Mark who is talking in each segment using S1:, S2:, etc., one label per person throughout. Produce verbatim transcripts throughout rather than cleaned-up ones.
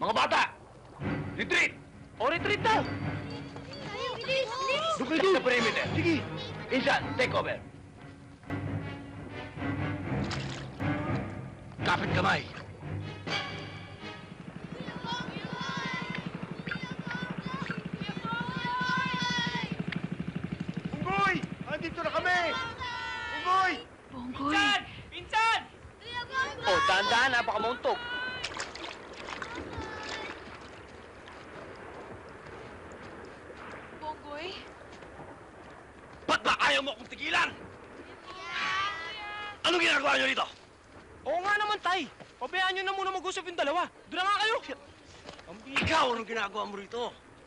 S1: Mga bata! Retreat!
S2: O, retreat daw!
S3: Bilis! Bilis!
S1: Doon kayo sa perimeter. Sige! Insan, take over. Kapit kamay. Unggoy! Andito na kami! Unggoy!
S3: Bonggoy!
S2: Pinsan! Pinsan! O, dahan-dahan, napakamuntog.
S3: Bonggoy?
S1: Ba't ba ayaw mo akong tigilan? Anong ginagawa niyo dito?
S2: Oo nga naman, Tay. Pabayaan nyo na muna mag-usap yung dalawa. Doon na nga kayo.
S1: Ikaw, anong ginagawa mo rito?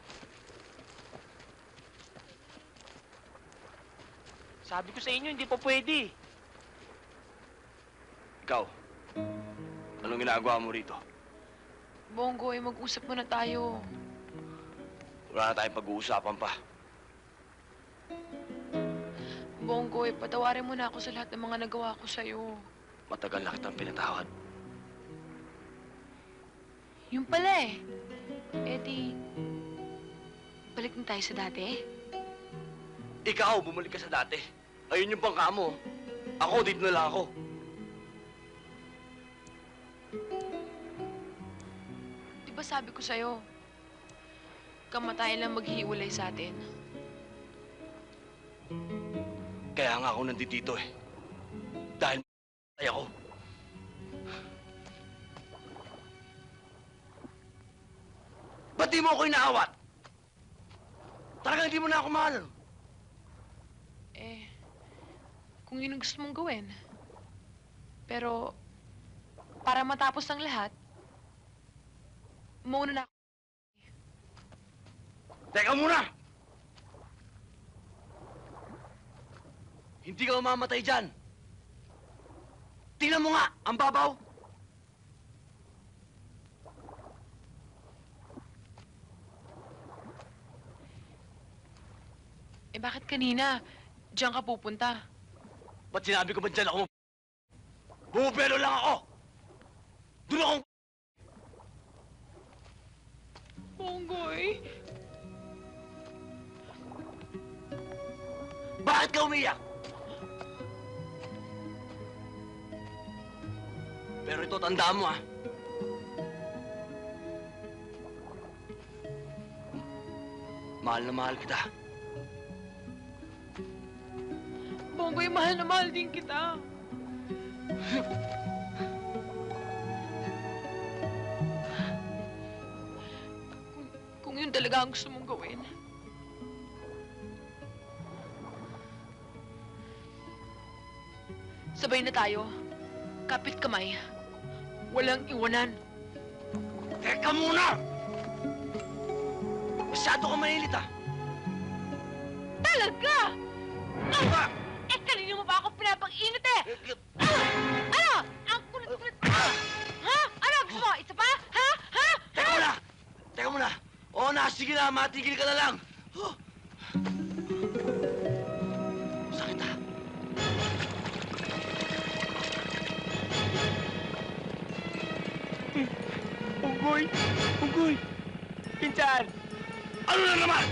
S2: Sabi ko sa inyo, hindi pa pwede.
S1: Ikaw, anong ginagawa mo rito?
S3: Bonggoy, mag-usap muna tayo.
S1: Wala na tayong pag-uusapan pa.
S3: Bonggoy, patawarin mo na ako sa lahat ng mga nagawa ko sa'yo.
S1: Matagal na kitang pinatawad.
S3: Yung pala eh. Eh di, balik na tayo sa dati.
S1: Ikaw, bumalik ka sa dati. Ayun yung bangka mo. Ako, dito na lang ako.
S3: Di ba sabi ko sa'yo, kamatayan lang maghihiwalay sa atin.
S1: Kaya nga ako nandito eh. Dahil ay ako. Ba't di mo ako inaawat? Talagang hindi mo na ako mahal.
S3: Eh, kung yun ang gusto mong gawin. Pero, para matapos ang lahat, mauna na ako.
S1: Teka muna! Hindi ka mamamatay dyan. Tingnan mo nga, ang babaw.
S3: Eh bakit kanina, diyan ka pupunta?
S1: Ba't sinabi ko ba dyan ako? Bumubelo lang ako. Doon akong...
S3: Bonggoy!
S1: Bakit ka umiyak? Pero ito, tandaan mo, ah. Mahal na mahal kita.
S3: Bonggoy, mahal na mahal din kita. kung, kung yun talaga ang gusto mong gawin. Sabay na tayo. Kapit kamay. Walang iwanan.
S1: Teka muna! Masyado ka mahilit, ah.
S3: Talaga!
S1: Ah!
S3: Eh, kanina mo pa ako pinapag-init eh! Ah! Ano? Ang kulit-kulit! Ha? Ano? Gusto mo? Isa pa? Ha? Ha?
S1: Teka muna! Teka muna! Oo na, sige na, matigil ka na lang. Huh. Sakit, ah.
S2: Unggoy! Unggoy! Pinsan!
S1: Ano na naman?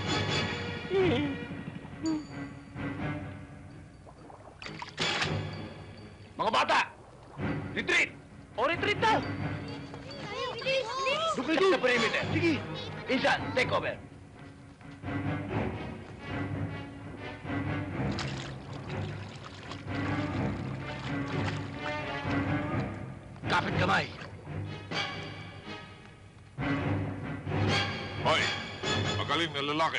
S1: Mga bata! Retreat!
S2: O, retreat daw!
S3: Bilis! Bilis!
S1: Doon kayo sa perimeter. Sige! Insan, take over. Kapit kamay.
S4: Hoy, magaling na lalaki.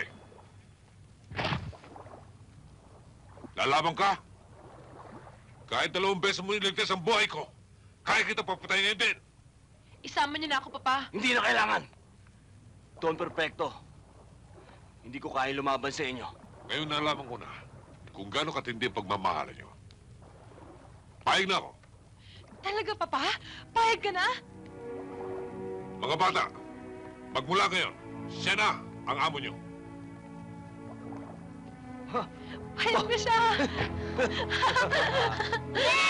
S4: Lalaban ka? Kahit dalawang beses mo niligtas ang buhay ko, kaya kita papatayin ngayon din.
S3: Isama niyo na ako, Papa.
S1: Hindi na kailangan. Don Perfecto. Hindi ko kaya lumaban sa inyo.
S4: Ngayon nalaman ko na kung gaano katindi ang pagmamahalan nyo. Pahig na ako.
S3: Talaga, Papa? Pahig ka na?
S4: Mga bata, magmula ngayon, siya na ang amo nyo.
S3: Pahig na siya!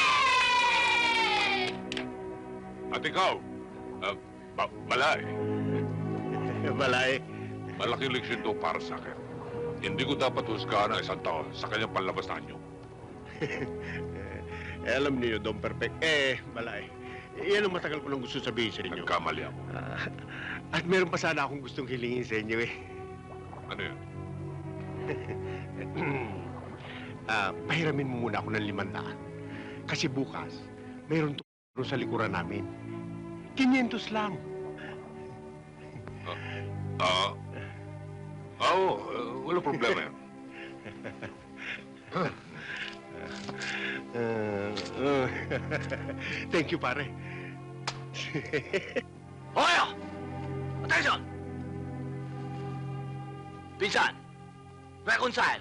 S4: At ikaw, uh, ba balay.
S5: Balay.
S4: Malaking leksyon to para sa akin. Hindi ko dapat husgahan ang isang tao sa kanyang panlabas na anyo.
S5: Eh, alam niyo, Don Perfect. Eh, Balay. Yan ang matagal ko lang gusto sabihin sa inyo.
S4: Nagkamali ako.
S5: Ah, at meron pa sana akong gustong hilingin sa inyo eh.
S4: Ano yan?
S5: Ah, pahiramin mo muna ako ng limandaan. Kasi bukas, mayroon to sa likuran namin. Kinyentos lang.
S4: Ah, ah, oo, uh, wala problema yan.
S5: Ah, ah, thank you, pare.
S1: Hoyo! Attention! Pinsan! Reconcile!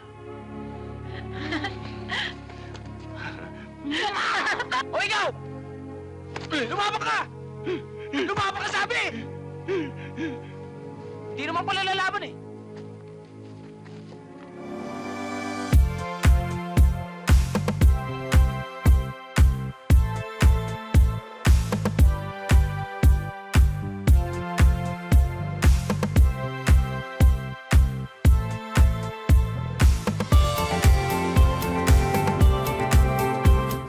S1: O ikaw! Lumabak ka! Lumabak ka sabi!
S2: Hindi naman pala lalaban eh.